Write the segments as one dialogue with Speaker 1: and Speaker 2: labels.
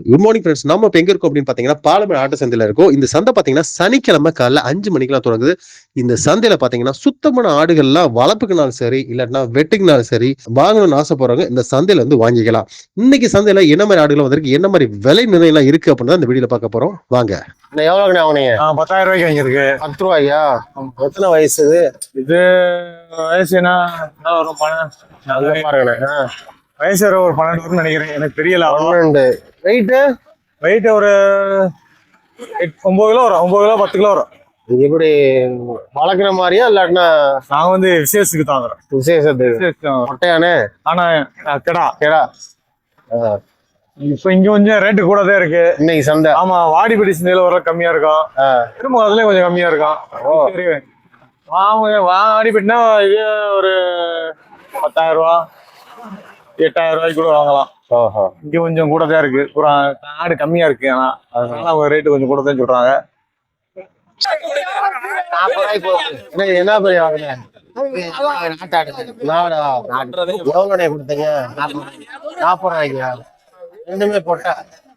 Speaker 1: Good morning friends. நம்ம இப்போ எங்க இருக்கோம் அப்படின்னு பார்த்தீங்கன்னா பாலமேடு ஆட்டு சந்தையில இருக்கும். இந்த சந்தை பார்த்தீங்கன்னா சனிக்கிழமை காலைல 5 மணிக்கெல்லாம் தொடங்குது. இந்த சந்தையில பார்த்தீங்கன்னா சுத்தமான ஆடுகள்லாம் வளர்ப்புக்குனாலும் சரி, இல்லாட்டினா வெட்டுக்குனாலும் சரி, வாங்கணும்னு ஆசைப்படுறவங்க இந்த சந்தையில வந்து வாங்கிக்கலாம். இன்னைக்கு சந்தையில என்ன மாதிரி ஆடுகள் வந்திருக்கு, என்ன மாதிரி விலை நிர்ணயம் இருக்கு அப்படின்னு தான் இந்த வீடியோல பார்க்க போறோம். வாங்க. எவ்வளோங்கண்ணா வாங்கினீங்க?
Speaker 2: 10,000 ரூபாய்க்கு வாங்கியிருக்கு.
Speaker 1: 10 ரூபாயா? எத்தனை வயசு
Speaker 2: இது வயசு என்ன வரும்?
Speaker 1: பாருங்கண்ணா.
Speaker 2: வயசு ஒரு 12 வரும்னு நினைக்கிறேன். எனக்கு தெரியல.
Speaker 1: 12.
Speaker 2: வெயிட் ஒரு 9 கிலோ வரும். 9 கிலோ 10 கிலோ வரும்.
Speaker 1: எப்படி வளர்க்குற மாதிரியா இல்லாட்டினா?
Speaker 2: நான் வந்து விசேஷத்துக்கு தான் வரும்.
Speaker 1: விசேஷத்துக்கு மொட்டையானே.
Speaker 2: ஆனா கெடா
Speaker 1: கேடா.
Speaker 2: இப்ப இங்க கொஞ்சம் ரேட்டு கூட தான் இருக்கு
Speaker 1: இன்னைக்கு சந்தை.
Speaker 2: ஆமா, வாடிப்பட்டி சந்தையில வர கம்மியா இருக்கும். திரும்ப அதுலயும் கொஞ்சம் கம்மியா இருக்கும். வாடிப்பட்டினா இது ஒரு 10,000 ரூபா 8,000 ரூபாய்க்கு கூட வாங்கலாம். இங்க கொஞ்சம் கூட தான் இருக்கு. ஆடு கம்மியா இருக்கு. ஆனா அதனால அவங்க ரேட்டு கொஞ்சம் கூட தான் சொல்றாங்க.
Speaker 1: என்ன பெரிய வாங்கினேன்? எவ்வளோ கொடுத்தீங்க? 40 ரூபாய்க்கு. ரெண்டுமே போட்டா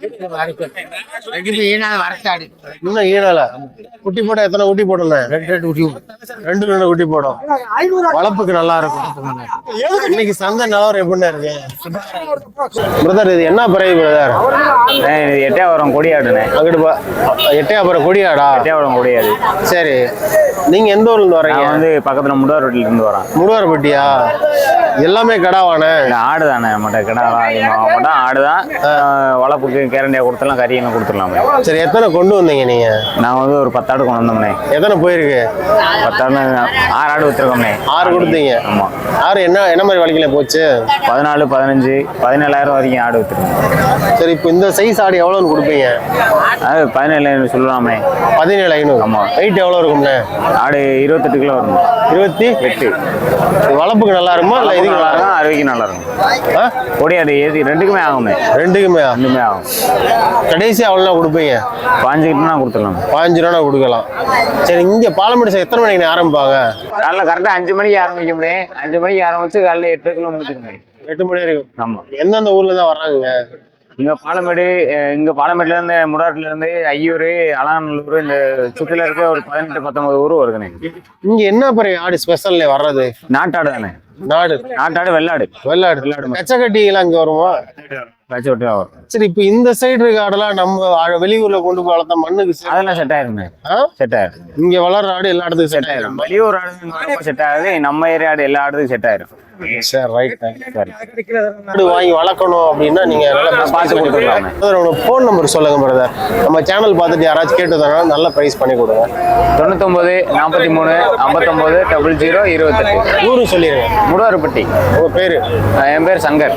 Speaker 1: இன்னும் ஈனால குட்டி போட்டா எத்தனை குட்டி போடணும்? 2 குட்டி போடும். வளர்ப்புக்கு நல்லா இருக்கும். இன்னைக்கு சந்தை நிலவரம் எப்படின்னா இருக்கு பிரதர்? இது என்ன பிறகு பிரதர்?
Speaker 3: எட்டயபுரம் கொடியாடுனே.
Speaker 1: அங்கிட்டு எட்டயபுரம் கொடியாடா?
Speaker 3: எட்டயபுரம் கொடியாடு.
Speaker 1: சரி, நீங்க எந்த ஊர்ல இருந்து வரீங்க?
Speaker 3: வந்து பக்கத்துல முடுவார்பட்டியில இருந்து வரேன்.
Speaker 1: முடுவார்பட்டியா? எல்லாமே கடாவானே?
Speaker 3: ஆடு தானே மட்டும் கடா மட்டும் ஆடுதான். வளர்ப்புக்கு கேரண்டியா கொடுத்துலாம், கறியெல்லாம் கொடுத்துடலாமே.
Speaker 1: சரி, எத்தனை கொண்டு வந்தீங்க நீங்க?
Speaker 3: நான் வந்து ஒரு 10 ஆடு கொண்டு வந்தோம்னே.
Speaker 1: எத்தனை போயிருக்கு?
Speaker 3: 10 ஆடு 6 ஆடு வித்துருக்கோம்னே.
Speaker 1: 6 கொடுத்தீங்க?
Speaker 3: ஆமா.
Speaker 1: 6 என்ன மாதிரி வலிக்கல போச்சு?
Speaker 3: 14, 15, 17,000 வரைக்கும் ஆடு வித்துருக்கோம்.
Speaker 1: சரி, இப்போ இந்த சைஸ் ஆடு எவ்வளோன்னு கொடுப்பீங்க?
Speaker 3: அது 17,000 சொல்லலாமே.
Speaker 1: 17,500.
Speaker 3: ஆமா.
Speaker 1: வெயிட் எவ்வளோ இருக்கும்ண்ணே?
Speaker 3: ஆடு 28 கிலோ வரும்.
Speaker 1: 28. வளர்ப்புக்கு நல்லா இருக்குமா இல்லை இதுக்கு நல்லா இருக்கும்?
Speaker 3: அறுவைக்கு நல்லா இருக்கும். கொடியாடு ரெண்டுக்குமே ஆகுமே.
Speaker 1: ரெண்டுமே
Speaker 3: ஆகும்.
Speaker 1: கடைசி அவ்வளோ கொடுப்பீங்க?
Speaker 3: 15 கிலோ கொடுத்துடலாம்.
Speaker 1: 15 ரூபா கொடுக்கலாம். சரி, இங்க பாலமேடு எத்தனை மணிக்கு ஆரம்பிப்பாங்க?
Speaker 3: காலைல கரெக்டா 5 மணிக்கு ஆரம்பிக்க முடியும். 5 மணிக்கு ஆரம்பிச்சு காலைல 8 கிலோ முடிச்சிருக்கேன்.
Speaker 1: 8 மணி வரைக்கும்.
Speaker 3: ஆமா.
Speaker 1: எந்தெந்த ஊர்ல தான் வர்றாங்க?
Speaker 3: இங்க பாலமேடுல இருந்து, முடாட்டுல இருந்து, ஐயூர், அலாநல்லூர், இந்த சுற்றில இருக்க ஒரு 18, 19 ஊர் வருதுண்ணே.
Speaker 1: இங்க என்ன பெரிய ஆடு ஸ்பெஷல்ல வர்றது?
Speaker 3: நாட்டாடு தானே. நாட்டாடு வெள்ளாடு.
Speaker 1: கச்சக்கட்டி எல்லாம் இங்க வருமா?
Speaker 3: வரும்.
Speaker 1: சரி, இப்ப இந்த சைடு இருக்க ஆடெல்லாம் நம்ம வெளியூர்ல கொண்டு போய் வளர்த்த மண்ணுக்கு
Speaker 3: அதெல்லாம் செட் ஆயிருமே. செட் ஆயிரும்.
Speaker 1: இங்க வளர்ற ஆடு எல்லா இடத்துக்கும் செட் ஆயிரும்.
Speaker 3: வெளியூர் ஆடு செட் ஆகுது. நம்ம ஏரியா ஆடு எல்லா ஆடுக்கும் செட் ஆயிரும்.
Speaker 1: சரி, ரைட். சரி, ஆடு வாங்கி வளர்க்கணும் அப்படின்னா நீங்க
Speaker 3: பார்த்து கொடுத்துருக்கலாம்.
Speaker 1: போன் நம்பர் சொல்லுங்க பிரதர். நம்ம சேனல் பார்த்துட்டு யாராச்சும் கேட்டதுனால நல்ல பிரைஸ் பண்ணி கொடுங்க.
Speaker 3: 99 43 59 00 28.
Speaker 1: ஊரு சொல்லிடுங்க.
Speaker 3: முடுவார்பட்டி.
Speaker 1: உங்க பேரு?
Speaker 3: என் பேர் சங்கர்.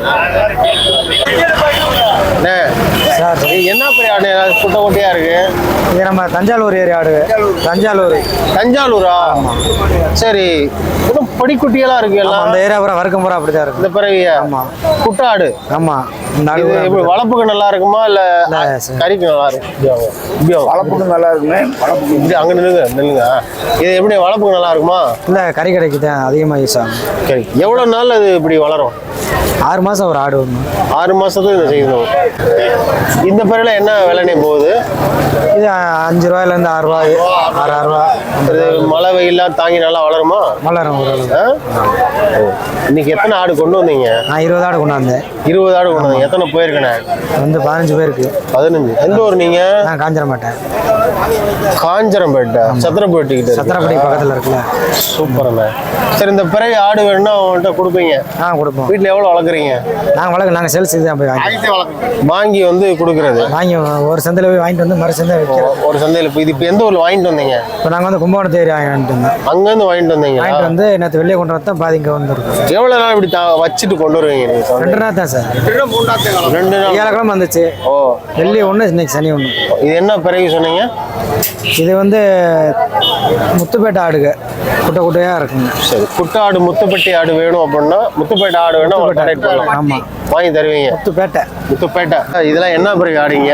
Speaker 1: என்ன பெரிய ஆடு? குட்டை குட்டையா இருக்கு.
Speaker 2: இது நம்ம தஞ்சாவூர் ஏரியா ஆடு.
Speaker 1: தஞ்சாவூரா? சரி, படிக்குட்டியெல்லாம் இருக்கு. எல்லாம்
Speaker 2: அந்த ஏரியா பூரா வர்க்கம் பூரா அப்படிதான் இருக்கு.
Speaker 1: இந்த பிறகு குட்டை ஆடு.
Speaker 2: ஆமா.
Speaker 1: வளர்ப்புக்கு நல்லா இருக்குமா இல்ல கறிக்கு நல்லா இருக்கும்?
Speaker 2: வளர்ப்புக்கு நல்லா இருக்குமே.
Speaker 1: இப்படி அங்க நில்லுங்க. இது எப்படி வளர்ப்புக்கு நல்லா இருக்குமா
Speaker 2: இல்ல கறி கடைக்கு தான் அதிகமா யூஸ் ஆகும்.
Speaker 1: சரி, எவ்வளவு நாள் அது இப்படி வளரும்?
Speaker 2: 6 மாசம் ஒரு ஆடு வரணும்.
Speaker 1: 6 மாசத்துக்கு இதை செய்யணும். இந்த பிறகுல என்ன விலைனே போகுது?
Speaker 2: இது 5 ரூபாயில இருந்து 6 ரூபாய், 6 ரூபா.
Speaker 1: மழை வெயிலாம் தாங்கி நல்லா வளருமா?
Speaker 2: வளரும்.
Speaker 1: இன்னைக்கு எத்தனை ஆடு கொண்டு வந்தீங்க?
Speaker 2: நான் 20 ஆடு கொண்டு வந்தேன்.
Speaker 1: 20 ஆடு கொண்டு வந்தீங்க. எத்தனை போயிருக்கேன்?
Speaker 2: வந்து 15 பேருக்கு.
Speaker 1: 15. எந்த ஊர் நீங்க?
Speaker 2: நான் காஞ்சரம்பேட்டை.
Speaker 1: காஞ்சரம்பேட்டை சத்திரப்பேட்டை கிட்ட.
Speaker 2: சத்திரப்பேட்டை பக்கத்துல இருக்குல்ல.
Speaker 1: சூப்பர்ண்ணே. சரி, இந்த பிறகு ஆடு வேணும்னா அவங்கள்ட்ட கொடுப்பீங்க?
Speaker 2: கொடுப்போம்.
Speaker 1: வீட்டுல எவ்வளவு வளர்க்குறீங்க?
Speaker 2: நாங்க சேல்ஸ் தான் போய்
Speaker 1: வாங்கி வந்து கொடுக்குறது.
Speaker 2: வாங்கி ஒரு சந்தையில போய் வாங்கிட்டு வந்து மறு சந்தை வைக்கிறோம்.
Speaker 1: ஒரு சந்தையில இப்போ எந்த ஊர்ல வாங்கிட்டு வந்தீங்க?
Speaker 2: இப்போ நாங்க வந்து கும்பகோணத்து ஏரியா வாங்கிட்டு வந்தோம்.
Speaker 1: அங்க இருந்து வாங்கிட்டு வந்தீங்க?
Speaker 2: வாங்கிட்டு வந்து நேற்று வெளியே கொண்டு வந்தா பாதி இங்க வந்துருக்கும்.
Speaker 1: எவ்வளவு நாள் இப்படி வச்சுட்டு கொண்டு வருவீங்க?
Speaker 2: 2 நாள் தான் சார்.
Speaker 1: 2 நாள்.
Speaker 2: வியாழக்கிழமை வந்துச்சு. வெள்ளி 1, இன்னைக்கு சனி 1.
Speaker 1: இது என்ன பிறகு சொன்னீங்க?
Speaker 2: இது வந்து முத்துப்பேட்டை ஆடுங்க. குட்டையா இருக்குங்க.
Speaker 1: சரி, குட்டை ஆடு முத்துப்பேட்டை ஆடு வேணும் அப்படின்னா முத்துப்பேட்டை ஆடு வேணும்.
Speaker 2: ஆமா,
Speaker 1: வாங்கி தருவீங்க. முத்துப்பேட்டை. இதெல்லாம் என்ன பிறகு ஆடுங்க?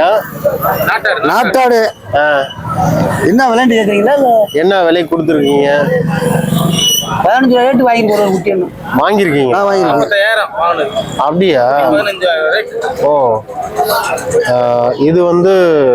Speaker 2: நாட்டாடு. என்ன விளையாண்டு கேட்டீங்களா?
Speaker 1: என்ன விலை கொடுத்துருக்கீங்க?
Speaker 4: 15 ரேட்டு வாங்கி போடுற குட்டி ஒன்று.
Speaker 1: வாங்கியிருக்கீங்க? அப்படியா? ஓ, இது வந்து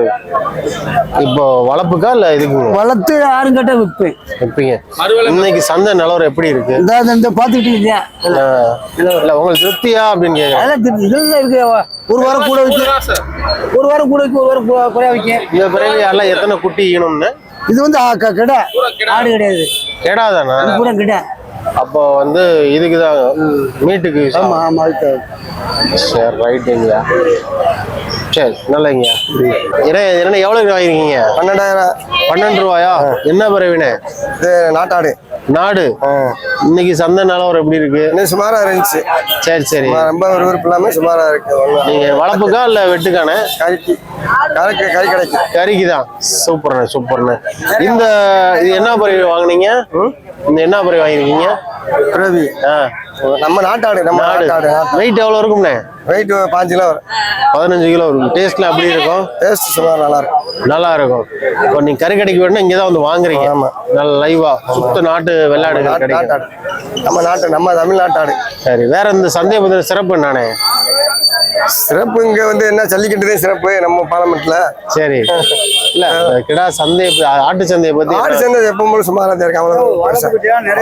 Speaker 1: இப்போ வளர்ப்புக்கா இல்ல இதுக்கு
Speaker 4: வளர்த்து 6 கட்ட விற்பேன்.
Speaker 1: விற்பீங்க? இன்னைக்கு சந்தை நிலவரம் எப்படி இருக்கு?
Speaker 4: இந்த பாத்துக்கிட்டு இல்லையா
Speaker 1: இல்ல உங்களுக்கு திருப்தியா அப்படின்னு கேக்குறேன்.
Speaker 4: அதெல்லாம் இதெல்லாம் இருக்கு. ஒரு வாரம் கூட வைக்க, ஒரு வாரம் கூட வைக்க, ஒரு வாரம் குறையா வைக்க.
Speaker 1: இந்த பிறகு எல்லாம் எத்தனை குட்டி ஈனும்னு?
Speaker 4: இது வந்து கிடா, ஆடு கிடையாது,
Speaker 1: கேடாதானா?
Speaker 4: கூட கிடா.
Speaker 1: அப்போ வந்து இதுக்குதான் மீட்டுக்கு.
Speaker 4: ஆமா ஆமா.
Speaker 1: சரி, ரைட்டுங்கய்யா. சரி, நல்லங்கய்யா. என்ன எவ்வளவு வாங்கிருக்கீங்க?
Speaker 4: 12,000.
Speaker 1: 12 ரூபாயா? என்ன பிறவினே?
Speaker 4: இது நாட்டாடு.
Speaker 1: நாடு. இன்னைக்கு சந்தை நிலவரம் எப்படி இருக்கு?
Speaker 4: சுமாரா இருந்துச்சு.
Speaker 1: சரி சரி.
Speaker 4: ரொம்ப விருப்பம் இல்லாம சுமாரா இருக்கு.
Speaker 1: நீங்க வளர்ப்புக்கா இல்ல வெட்டுக்கானே?
Speaker 4: கறிக்கு, கறி கிடைக்கு.
Speaker 1: கறிக்கு தான். சூப்பர்ண்ணே சூப்பர்ண்ணே. இது என்ன பறவை வாங்குனீங்க? இந்த என்ன பறவை வாங்கிருக்கீங்க?
Speaker 4: பிரவி. நம்ம நாட்டாடு. நம்ம நாட்டாடு.
Speaker 1: வெயிட் எவ்வளவு இருக்கும்ண்ணே?
Speaker 4: வெயிட் 5 கிலோ வரும்.
Speaker 1: 15 கிலோ இருக்கும். டேஸ்ட்ல எப்படி இருக்கும்?
Speaker 4: டேஸ்ட் சுமார் நல்லா இருக்கும்.
Speaker 1: நல்லா இருக்கும். இப்போ நீங்க கறி கடைக்கு வேணும்னா இங்கதான் வந்து வாங்குறீங்க.
Speaker 4: ஆமா.
Speaker 1: நல்ல லைவா சுத்த நாட்டு வெள்ளாடு கிடைக்கும்.
Speaker 4: நம்ம நாட்டு, நம்ம தமிழ்நாட்டாடு.
Speaker 1: சரி, வேற இந்த சந்தையை பத்தின சிறப்பு என்னண்ணே?
Speaker 4: சிறப்பு இங்க வந்து என்ன, ஜல்லிக்கட்டுதே சிறப்பு நம்ம பாலமேட்டுல.
Speaker 1: சரி. இல்ல கிடா சந்தை, ஆட்டு சந்தையை பத்தி.
Speaker 4: ஆட்டு சந்தை எப்பவும் சுமாராதே இருக்கு. வளர்ப்பு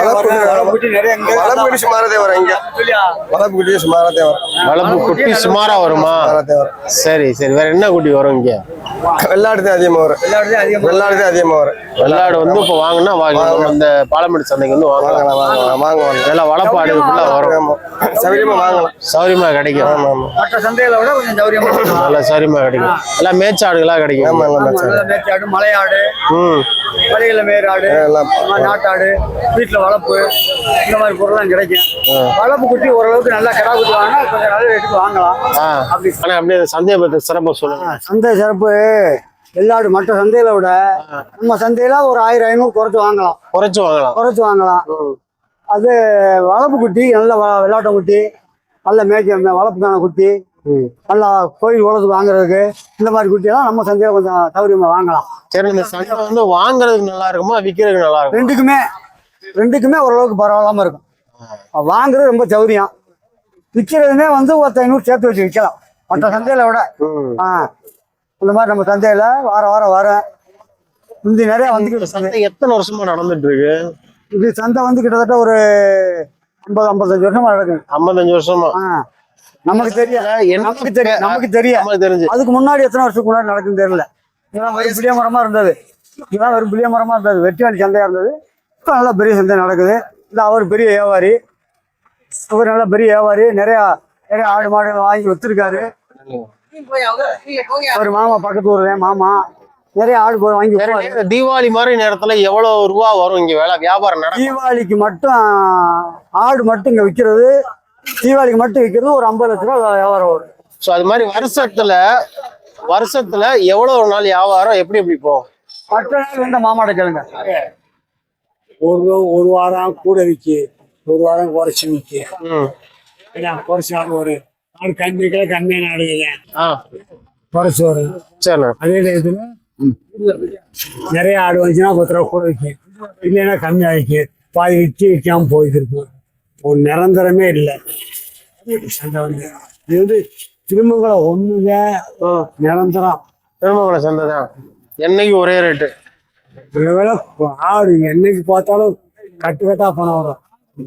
Speaker 4: குட்டி சுமாராதே வரும். இங்க வளர்ப்பு குட்டி சுமாராதே வரும்.
Speaker 1: வளர்ப்பு குட்டி சுமாரா வருமா? சரி சரி. வேற என்ன குட்டி வரும் இங்க?
Speaker 4: வெள்ளாடு தான் அதிகமா வரும். வெள்ளாடு தான் அதிகமா வரும்.
Speaker 1: வெள்ளாடு வந்து இப்போ வாங்கினா வாங்கலாம். இந்த பாலமேடு சந்தைக்கு வந்து வாங்கலாம். எல்லாம் வளர்ப்பு ஆடுகளுக்குள்ள வரும்.
Speaker 4: சௌரியமா வாங்கலாம்.
Speaker 1: சௌரியமா கிடைக்கும்.
Speaker 4: மற்ற சந்தைகளை விட கொஞ்சம் சௌரியமா
Speaker 1: நல்லா சௌரியமா கிடைக்கும். எல்லாம் மேய்ச்சாடுகளா கிடைக்கும்.
Speaker 4: மேய்ச்சாடு, மலையாடு, மலையில மேய்றாடு, நாட்டாடு, வீட்டுல வளர்ப்பு, இந்த மாதிரி பொருள்லாம் கிடைக்கும். வளர்ப்பு குட்டி ஓரளவுக்கு நல்லா கிடா குட்டி வாங்கினா கொஞ்சம் நல்ல ரேட்டுக்கு வாங்கலாம்.
Speaker 1: ஆனா அப்படியே சந்தையை பத்தி சிறப்பா சொல்லுங்க.
Speaker 4: சந்தை சிறப்பு வெள்ளாடு மற்ற சந்தையில விட நம்ம சந்தையில ஒரு 1000-500 குறைச்சு வாங்கலாம். அது வளர்ப்பு குட்டி, நல்ல வெள்ளாட்ட குட்டி, நல்ல மேய்க்க வளர்ப்புக்கான குட்டி, நல்லா கோயில் உலகத்துக்கு வாங்குறதுக்கு இந்த மாதிரி குட்டியெல்லாம் நம்ம சந்தையில கொஞ்சம் சௌரியமா வாங்கலாம்.
Speaker 1: சரி, இந்த சந்தை வந்து வாங்குறதுக்கு நல்லா இருக்குமா விற்கிறதுக்கு நல்லா இருக்கும்?
Speaker 4: ரெண்டுக்குமே ஓரளவுக்கு பரவாயில்லாம இருக்கும். வாங்குறது ரொம்ப சௌரியம், விற்கிறதுமே வந்து 500 சேர்த்து வச்சு விற்கலாம் மற்ற சந்தையில விட. இந்த மாதிரி நம்ம சந்தையில வாரம் வரும். முந்தி நிறைய வந்து
Speaker 1: சந்தை எத்தனை வருஷமா நடந்துட்டு இருக்கு?
Speaker 4: இது சந்தை வந்து கிட்டத்தட்ட ஒரு 50-55 வருஷமா நடக்குது.
Speaker 1: 55 வருஷமா?
Speaker 4: நமக்கு தெரியும். அதுக்கு முன்னாடி எத்தனை வருஷத்துக்கு முன்னாடி நடக்குதுன்னு தெரியல. இதெல்லாம் வெறும் புளிய மரமா இருந்தது. வெற்றியாளி சந்தையா இருந்தது. இப்போ நல்லா பெரிய சந்தை நடக்குது. இந்த அவர் பெரிய வியாபாரி, நல்ல பெரிய வியாபாரி. நிறைய ஆடு மாடுகள் வாங்கி வச்சிருக்காரு. ஒரு மாமா, பக்கத்து ஊர்ல மாமா நிறைய ஆடு வாங்கி.
Speaker 1: தீபாவளி மாதிரி நேரத்துல எவ்வளவு ரூபா வரும் இங்க வேலை வியாபாரம்?
Speaker 4: தீபாவளிக்கு மட்டும் ஆடு மட்டும் இங்க விற்கிறது, தீபாவளிக்கு மட்டும் விற்கிறது ஒரு 50 லட்ச ரூபா வியாபாரம் வரும்.
Speaker 1: ஸோ அது மாதிரி வருஷத்துல எவ்வளவு நாள் வியாபாரம் எப்படி போகும்?
Speaker 4: மற்ற நாள் வந்து மாமாட்ட கேளுங்க.
Speaker 5: ஒரு வாரம் கூட விற்கி, ஒரு வாரம் குறைச்சி விற்கி. குறைச்சி ஆடு ஒரு ஆடு கம்மியான ஆடுங்க குறைச்சி வரும். அதே இதுல நிறைய ஆடு வந்துச்சுன்னா 10 ரூபா கூட விற்கும், இல்லைன்னா கம்மியாக விற்கும். பாதி விற்காம போயிட்டு இருக்கும். ஒரு நிரந்தரமே இல்லை சந்தை வந்து. இது வந்து திருமங்கலம் ஒண்ணுங்க நிரந்தரம்.
Speaker 1: திருமங்கலம் சந்தை தான் என்னைக்கு ஒரே ரேட்டு.
Speaker 5: வேலை ஆடு என்னைக்கு பார்த்தாலும் கட்டா பணம் வரும்.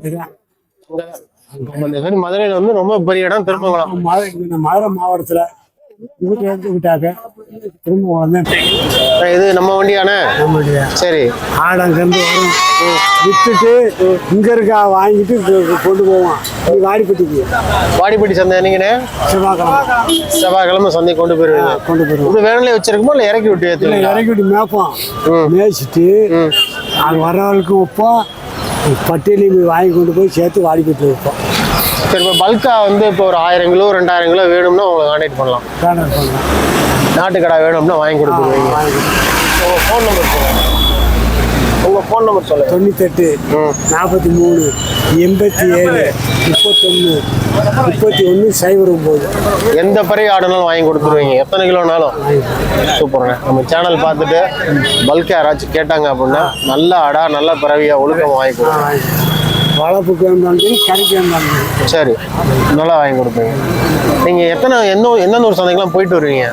Speaker 1: மதுரையில வந்து ரொம்ப பெரிய இடம் திருமங்கலம்.
Speaker 5: மதுரை மாவட்டத்துல எடுத்துக்கிட்டாக்க திருமங்கலம்
Speaker 1: இது நம்ம வண்டியானே. சரி,
Speaker 5: ஆடு அங்கிருந்து வரும், வித்துட்டு இங்க இருக்கா வாங்கிட்டு கொண்டு போவான்
Speaker 1: வாடிப்பட்டி சந்தை. நீங்கண்ணே செவ்வாய்க்கிழமை சந்தை கொண்டு போயிருவீங்க. இது வேணாலே வச்சிருக்குமோ இல்ல இறக்கி விட்டு ஏற்றுவீங்க?
Speaker 5: இறக்கி விட்டு மேய்ப்போம். மேய்ச்சிட்டு அங்கே வர்றவர்களுக்கு வைப்போம், பட்டியலையும் வாங்கி கொண்டு போய் சேர்த்து வாடிப்பட்டி வைப்போம்.
Speaker 1: சரி, இப்போ பல்கா வந்து இப்போ ஒரு 1000 கிலோ 2000 கிலோ வேணும்னா உங்களுக்கு கான்டாக்ட் பண்ணலாம். நாட்டுக்கடா வேணும்னா வாங்கி கொடுத்துருவீங்க. உங்கள் ஃபோன் நம்பர் சொல்லுங்கள். உங்கள் ஃபோன் நம்பர் சொல்லுங்கள்.
Speaker 5: 98 43 87 31 31 09.
Speaker 1: எந்த பறவை ஆடுனாலும் வாங்கி கொடுத்துருவீங்க, எத்தனை கிலோனாலும். சூப்பர்ண்ணே. நம்ம சேனல் பார்த்துட்டு பல்கா யாராச்சும் கேட்டாங்க அப்படின்னா நல்ல ஆடா நல்ல பறவையா ஒழுக்கமாக வாங்கி கொடுங்க.
Speaker 5: வளர்ப்புக்கு வந்து கறிக்கு வந்து
Speaker 1: சரி, நல்லா வாங்கி கொடுப்பீங்க. நீங்கள் எந்தெந்த ஒரு சந்தைக்கெல்லாம் போயிட்டு வருவீங்க?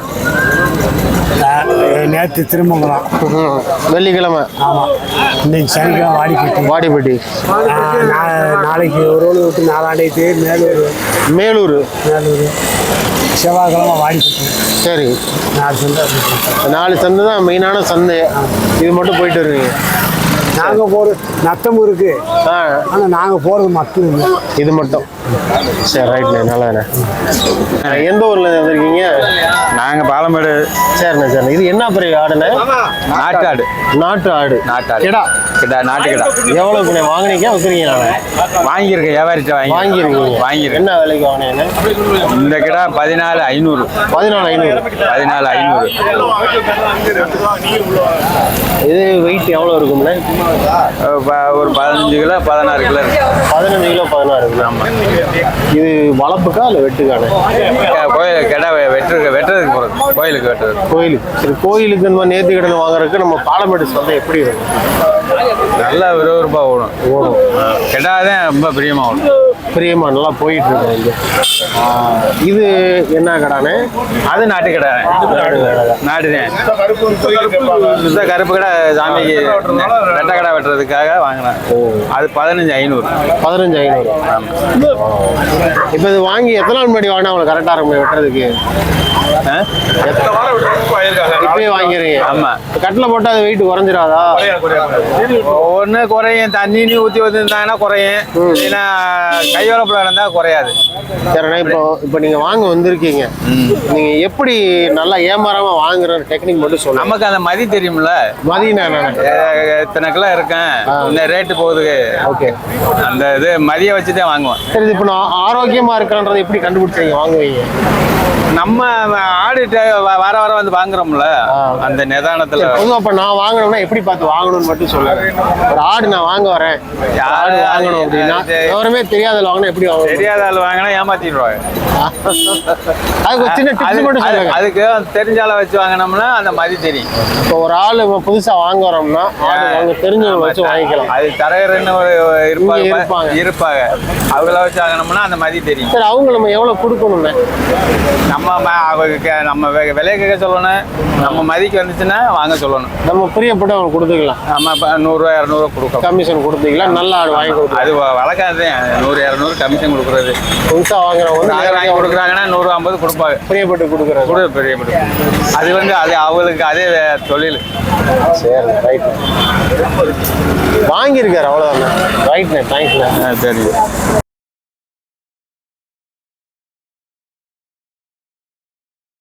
Speaker 5: நேற்று திருமங்கலம்,
Speaker 1: வெள்ளிக்கிழமை.
Speaker 5: ஆமாம். இன்னைக்கு சனிக்கிழமை
Speaker 1: வாடிப்பட்டி.
Speaker 5: நாளைக்கு ஒரு ரோடு விட்டு நாலாண்டைக்கு
Speaker 1: மேலூர்.
Speaker 5: செவ்வாய்க்கிழமை வாடிப்பட்டி.
Speaker 1: சரி,
Speaker 5: 4 சந்தை.
Speaker 1: 4 சந்தை தான் மெயினான சந்தை. இது மட்டும் போயிட்டு வருவீங்க?
Speaker 5: நாங்கள் போகிறது நத்தம் இருக்கு, ஆனால் நாங்கள் போகிறது மட்டும் இல்லை,
Speaker 1: இது மட்டும். சரி, ரைட்ண்ணே, நல்லதுண்ணே. எந்த ஊர்ல வந்திருக்கீங்க?
Speaker 2: நாங்கள் பாலமேடு.
Speaker 1: சரிண்ணே, சரிண்ணே. இது என்ன பெரிய ஆடுண்ணே?
Speaker 2: நாட்டு ஆடு.
Speaker 1: நாட்டு ஆடு.
Speaker 2: கிடா. நாட்டு கிடா.
Speaker 1: எவ்வளோக்குண்ணே வாங்கினீங்க, விற்கிறீங்க?
Speaker 2: வாங்கியிருக்கேன், வியாபாரிட்ட வாங்கியிருக்கேன்.
Speaker 1: என்ன விலைக்கு வாங்கினீங்க?
Speaker 2: இந்த கிடா 14,500.
Speaker 1: 14,500. இது வெயிட் எவ்வளோ இருக்கும்ண்ணே?
Speaker 2: ஒரு 15 கிலோ 16 கிலோ இருக்கு.
Speaker 1: 15 கிலோ 16 கிலோ. ஆமாம். இது வளர்ப்புக்கா இல்லை வெட்டுக்கானே?
Speaker 2: கோயில் கிடா வெட்டுறதுக்கு போகிறது, கோயிலுக்கு வெட்டுறது.
Speaker 1: கோயிலுக்கு. சரி, கோயிலுக்கு இந்த மாதிரி நேர்த்தி கடன் வாங்குறதுக்கு நம்ம பாலமேடு சந்தை எப்படி இருக்கும்?
Speaker 2: நல்லா விறுவிறுப்பாக ஓடும். கிடா தான் ரொம்ப பிரியமா
Speaker 1: நல்லா போயிட்டு இருக்கு இங்க. இது என்ன கடானே?
Speaker 2: அது நாட்டு கடை. நாட்டுதான். சுத்த கருப்பு கடை சாமிக்கு வெட்ட கடை வெட்டுறதுக்காக வாங்கினேன். அது 15,500.
Speaker 1: 15,500. இப்போ இது வாங்கி எத்தனை நாள் முன்னாடி வாங்கினா உங்களுக்கு கரெக்டாக இருக்கும் வெட்டுறதுக்கு? இப்பயே வாங்கிறீங்க?
Speaker 2: ஆமா.
Speaker 1: கட்டில் போட்டால் அது வெயிட் குறைஞ்சிடாதா?
Speaker 2: ஒன்று குறையும், தண்ணி ஊற்றி வச்சுருந்தாங்கன்னா குறையும், இல்லைன்னா கையோலப்பில் இருந்தால் குறையாது.
Speaker 1: சரிண்ணா, இப்போ நீங்கள் வாங்க வந்திருக்கீங்க, நீங்கள் எப்படி நல்லா ஏமாறாம வாங்குற டெக்னிக் மட்டும் சொல்லுங்க.
Speaker 2: நமக்கு அந்த மதி தெரியும்ல,
Speaker 1: மதினா
Speaker 2: இத்தனை கிலோ இருக்கேன், இந்த ரேட்டு போகுது.
Speaker 1: ஓகே,
Speaker 2: அந்த இது மதியை வச்சு தான் வாங்குவேன்.
Speaker 1: சரி, இப்போ நான் ஆரோக்கியமாக இருக்கிறன்றதை எப்படி கண்டுபிடிச்சீங்க வாங்குவீங்க?
Speaker 2: நம்ம ஆடு வர வந்து வாங்குறோம்ல, அந்த நிதானத்துல.
Speaker 1: பொதுவாக இப்போ நான் வாங்கணும்னா எப்படி பார்த்து வாங்கணும்னு மட்டும் சொல்லுங்க. ஒரு ஆடு நான் வாங்க வரேன், ஆடு வாங்கணும் அப்படின்னா எவருமே தெரியாத வாங்கினா எப்படி வாங்கணும்?
Speaker 2: தெரியாத ஆள் வாங்கினா ஏமாத்திடுவாங்க.
Speaker 1: அதுக்கு ஒரு சின்ன டிப்ஸ் மட்டும் சொல்லுங்க.
Speaker 2: அதுக்கு தெரிஞ்ச ஆளை வச்சு வாங்கினோம்னா அந்த மதி தெரியும்.
Speaker 1: இப்போ ஒரு ஆள் புதுசா வாங்க வரோம்னா அவங்க தெரிஞ்சவங்க வச்சு வாங்கிக்கலாம்.
Speaker 2: அது தரகர்னு இருப்பாங்க, அவங்கள வச்சு வாங்கினோம்னா அந்த மதி தெரியும்.
Speaker 1: சரி, அவங்க நம்ம எவ்வளவு கொடுக்கணும்னு
Speaker 2: நம்ம விலைய கேட்க சொல்லணும், நம்ம மதிக்கு வந்துச்சுன்னா வாங்க சொல்லணும்.
Speaker 1: நம்ம பிரியப்பட்டு அவங்க கொடுத்துக்கலாம்.
Speaker 2: நம்ம 100 200 கொடுக்கலாம்,
Speaker 1: கமிஷன் கொடுத்தீங்களா? நல்ல ஆடு வாங்கி கொடுக்கலாம்.
Speaker 2: அது வழக்காது. 100 200 கமிஷன் கொடுக்குறது.
Speaker 1: புதுசா வாங்குறவங்க
Speaker 2: வாங்கி கொடுக்குறாங்கன்னா 150 கொடுப்பாங்க.
Speaker 1: பிரியப்பட்டு கொடுக்குறது.
Speaker 2: பிரியப்பட்டு அது அவங்களுக்கு அதே தொழில்.
Speaker 1: சரி, ரைட். வாங்கியிருக்காரு, அவ்வளோதானே. ரைட்ண்ணே, தேங்க்ஸ்ண்ணே.
Speaker 2: சரி.